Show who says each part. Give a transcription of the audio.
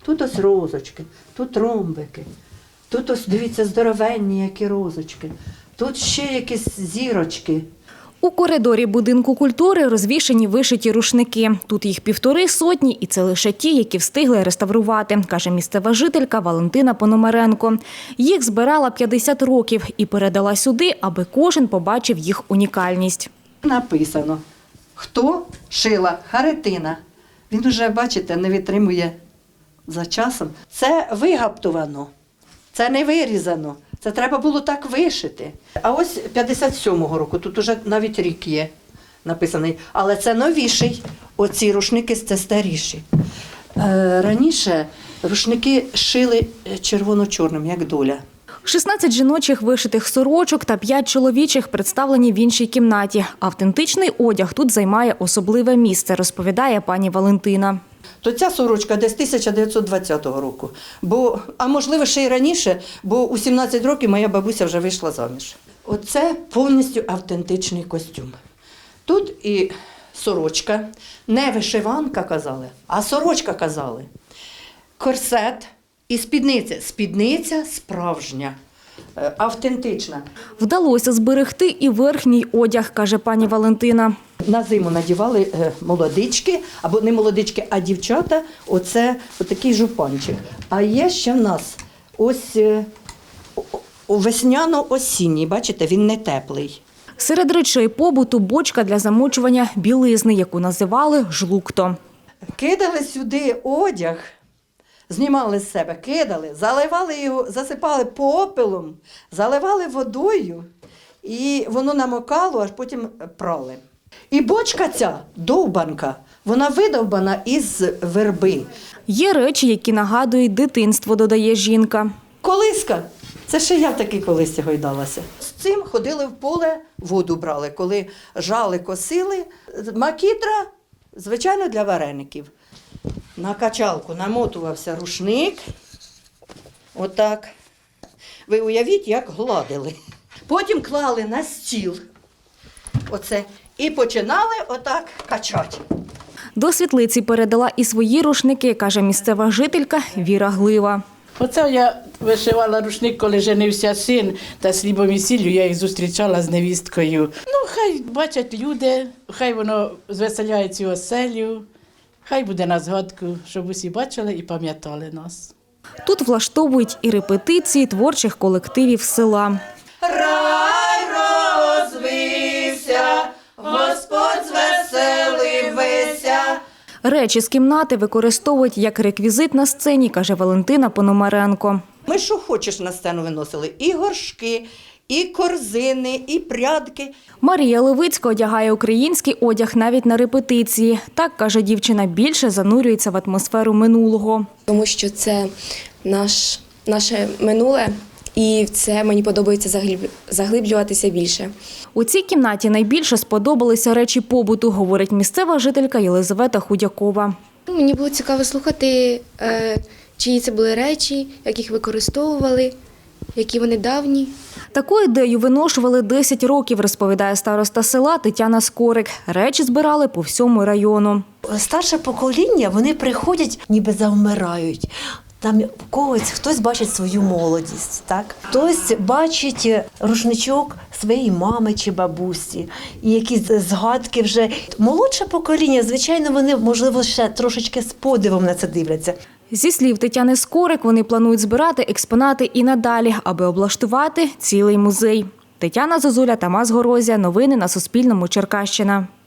Speaker 1: Тут ось розочки, тут ромбики, тут ось, дивіться, здоровенні які розочки, тут ще якісь зірочки.
Speaker 2: У коридорі будинку культури розвішані вишиті рушники. Тут їх 150, і це лише ті, які встигли реставрувати, каже місцева жителька Валентина Пономаренко. Їх збирала 50 років і передала сюди, аби кожен побачив їх унікальність.
Speaker 1: Написано, хто шила Харитина. Він уже, бачите, не витримує за часом. Це вигаптовано, це не вирізано. Це треба було так вишити. А ось 57-го року, тут уже навіть рік є написаний, але це новіший. Оці рушники – це старіші. Раніше рушники шили червоно-чорним, як доля.
Speaker 2: 16 жіночих вишитих сорочок та 5 чоловічих представлені в іншій кімнаті. Автентичний одяг тут займає особливе місце, розповідає пані Валентина.
Speaker 1: То ця сорочка десь 1920 року, а можливо ще й раніше, бо у 17 років моя бабуся вже вийшла заміж. Оце повністю автентичний костюм. Тут і сорочка, не вишиванка казали, а сорочка казали. Корсет і спідниця. Спідниця справжня, автентична.
Speaker 2: Вдалося зберегти і верхній одяг, каже пані Валентина.
Speaker 1: На зиму надівали молодички, або не молодички, а дівчата, оце отакий жупанчик. А є ще в нас ось весняно-осінній, бачите, він не теплий.
Speaker 2: Серед речей побуту – бочка для замочування білизни, яку називали жлукто.
Speaker 1: Кидали сюди одяг, знімали з себе, кидали, заливали його, засипали попелом, заливали водою, і воно намокало, аж потім прали. І бочка ця, довбанка, вона видовбана із верби.
Speaker 2: Є речі, які нагадують дитинство, додає жінка.
Speaker 1: Колиска. Це ще я в такій колисці гойдалася. З цим ходили в поле, воду брали, коли жали, косили. Макітра, звичайно, для вареників. На качалку намотувався рушник. Отак. Ви уявіть, як гладили. Потім клали на стіл. Оце. І починали отак качати.
Speaker 2: До світлиці передала і свої рушники, каже місцева жителька Віра Глива.
Speaker 3: Оце я вишивала рушник, коли женився син, та слібом і сіллю я їх зустрічала з невісткою. Ну, хай бачать люди, хай воно звеселяє цю оселю, хай буде на згадку, щоб усі бачили і пам'ятали нас.
Speaker 2: Тут влаштовують і репетиції творчих колективів села.
Speaker 1: Рай розвився, Господь звеселився.
Speaker 2: Речі з кімнати використовують як реквізит на сцені, каже Валентина Пономаренко.
Speaker 1: Ми що хочеш на сцену виносили? І горшки, і корзини, і прядки.
Speaker 2: Марія Левицька одягає український одяг навіть на репетиції. Так, каже дівчина, більше занурюється в атмосферу минулого.
Speaker 4: Тому що це наше минуле, і в це мені подобається заглиблюватися більше.
Speaker 2: У цій кімнаті найбільше сподобалися речі побуту, говорить місцева жителька Єлизавета Худякова.
Speaker 4: Мені було цікаво слухати, чиї це були речі, як їх використовували, які вони давні.
Speaker 2: Таку ідею виношували 10 років, розповідає староста села Тетяна Скорик. Речі збирали по всьому району.
Speaker 5: Старше покоління, вони приходять, ніби завмирають. Там хтось бачить свою молодість, так? Хтось бачить рушничок своєї мами чи бабусі, і якісь згадки вже. Молодше покоління, звичайно, вони, можливо, ще трошечки з подивом на це дивляться.
Speaker 2: Зі слів Тетяни Скорик, вони планують збирати експонати і надалі, аби облаштувати цілий музей. Тетяна Зозуля, Тамас Горозія. Новини на Суспільному. Черкащина.